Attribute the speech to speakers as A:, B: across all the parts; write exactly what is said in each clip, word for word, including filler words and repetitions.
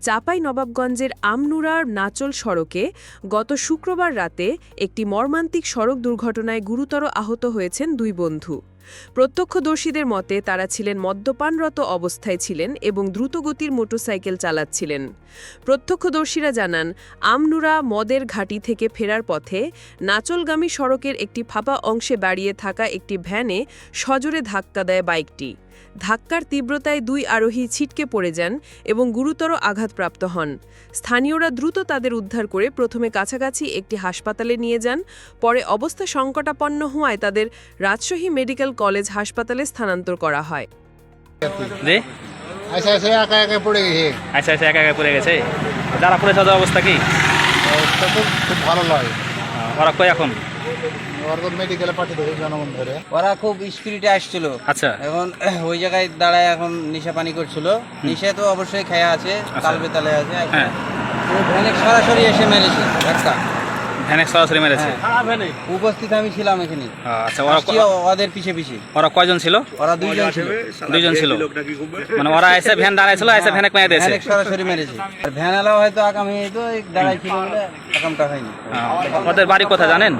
A: চাঁপাইনবাবগঞ্জের আমনুরার নাচল সড়কে গত শুক্রবার রাতে একটি মর্মান্তিক সড়ক দুর্ঘটনায় গুরুতর আহত হয়েছেন দুই বন্ধু। প্রত্যক্ষদর্শীদের মতে তারা ছিলেন মদ্যপানরত অবস্থায় ছিলেন এবং দ্রুতগতির মোটরসাইকেল চালাচ্ছিলেন। প্রত্যক্ষদর্শীরা জানান, আমনুরা মদের ঘাঁটি থেকে ফেরার পথে নাচলগামী সড়কের একটি ফাঁপা অংশে দাঁড়িয়ে থাকা একটি ভ্যানে সজোরে ধাক্কা দেয় বাইকটি। ধাক্কার তীব্রতায় দুই আরোহী ছিটকে পড়ে যান এবং গুরুতর আঘাতপ্রাপ্ত হন। স্থানীয়রা দ্রুত তাদের উদ্ধার করে প্রথমে কাছাকাছি একটি হাসপাতালে নিয়ে যান, পরে অবস্থা সংকটাপন্ন হওয়ায় তাদের রাজশাহী মেডিকেল কলেজ হাসপাতালে স্থানান্তর করা হয়।
B: জি
C: আচ্ছা আচ্ছা একা একা পড়ে গেছে
B: আচ্ছা আচ্ছা একা একা পড়ে গেছে। যারা পড়েছে তাদের অবস্থা কি?
C: অবস্থা তো খুব ভালো নয়।
B: ওরা কই এখন?
C: ওরা মেডিকেলে পাঠিয়ে দেবে জনগণ ধরে।
D: ওরা খুব স্পিরিটে আসছিল।
B: আচ্ছা,
D: এখন ওই জায়গায় দাঁড়ায় এখন নেশা পানি করছিল। নেশা তো অবশ্যই খেয়া আছে, তাল বেতালে আছে।
B: হ্যাঁ,
D: ও ভ্যানে সরাসরি এসে মেরেছে একটা।
B: ভ্যানে সরাসরি মেরেছে?
D: উপস্থিত আমি ছিলাম এখানে।
B: আচ্ছা, ওরা
D: আসছি ওদের পিছে পিছে।
B: ওরা কয়জন ছিল?
D: ওরা দুইজন ছিল।
B: দুইজন ছিল, মানে ওরা এসে ভ্যান দাঁড়াইছিল, এসে ভ্যানে মেরে দিয়েছে।
D: ভ্যানে সরাসরি মেরেছে। আর ভ্যান আলাও হয়তো আগামী হয়তো দাঁড়াই ছিল বলে আকামটা হয়নি।
B: ওদের বাড়ি কোথায় জানেন?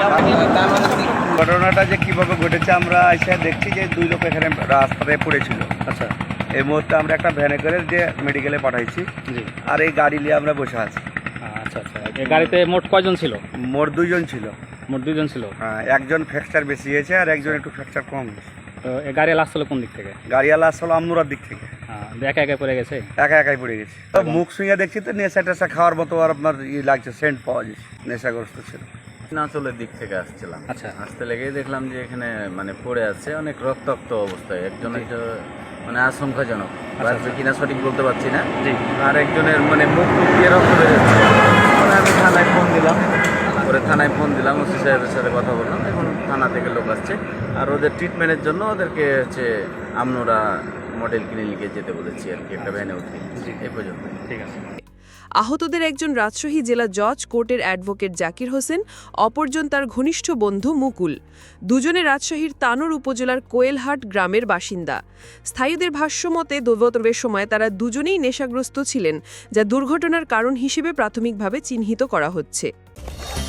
E: ঘটনাটা যে কিভাবে ঘটেছে আমরা এসে দেখছি যে দুই লোক এখানে রাস্তায় পড়েছিল।
B: আচ্ছা,
E: এই মুহূর্তে আমরা একটা ভ্যানে করে যে মেডিকেলে পাঠাইছি,
B: জি।
E: আর এই গাড়ি নিয়ে আমরা বসে আছি।
B: আচ্ছা আচ্ছা, এই গাড়িতে মোট কয়জন ছিল?
E: মোট দুইজন ছিল।
B: মোট দুইজন ছিল।
E: হ্যাঁ, একজন ফ্র্যাকচার বেশি হয়েছে আর একজন একটু ফ্র্যাকচার কম হয়েছে।
B: তো এই গাড়ি আসছিল কোন দিক থেকে?
E: গাড়িওয়ালা আসলে আমনুরার দিক থেকে।
B: হ্যাঁ, একা একা পড়ে গেছে?
E: একা একাই পড়ে গেছে। তো মুখ শুঁয়ে দেখছি তো নেশা টেশা খাওয়ার মতো আর আপনার ই লাগছে, সেন্ট পাওয়া যাচ্ছে, নেশাগ্রস্ত ছিল।
F: নাচলের দিক থেকে আসছিলাম।
B: আচ্ছা,
F: আসতে লেগেই দেখলাম যে এখানে মানে পড়ে আছে অনেক রক্তাক্ত অবস্থায়। একজন একটা মানে আশঙ্কাজনক, বাঁচবে কিনা সঠিক বলতে পারছি না।
B: জি।
F: আর একজনের মানে মুখ টুক দিয়ে রক্ত বেরোচ্ছে। পরে আমি থানায় ফোন দিলাম, পরে থানায় ফোন দিলাম, ওসি সাহেবের সাথে কথা বললাম। এখন থানা থেকে লোক আসছে আর ওদের ট্রিটমেন্টের জন্য ওদেরকে হচ্ছে আমনুরা মডেল ক্লিনিকে যেতে বলেছি আর কি, একটা ভ্যানে উঠে। এই পর্যন্ত।
B: ঠিক আছে।
A: আহতদের একজন রাজশাহী জেলা জজ কোর্টের অ্যাডভোকেট জাকির হোসেন, অপরজন তার ঘনিষ্ঠ বন্ধু মুকুল। দুজনে রাজশাহীর তানোর উপজেলার কোয়েলহাট গ্রামের বাসিন্দা। স্থায়ীদের ভাষ্যমতে দুর্ঘটনার সময় তারা দুজনেই নেশাগ্রস্ত ছিলেন, যা দুর্ঘটনার কারণ হিসেবে প্রাথমিকভাবে চিহ্নিত করা হচ্ছে।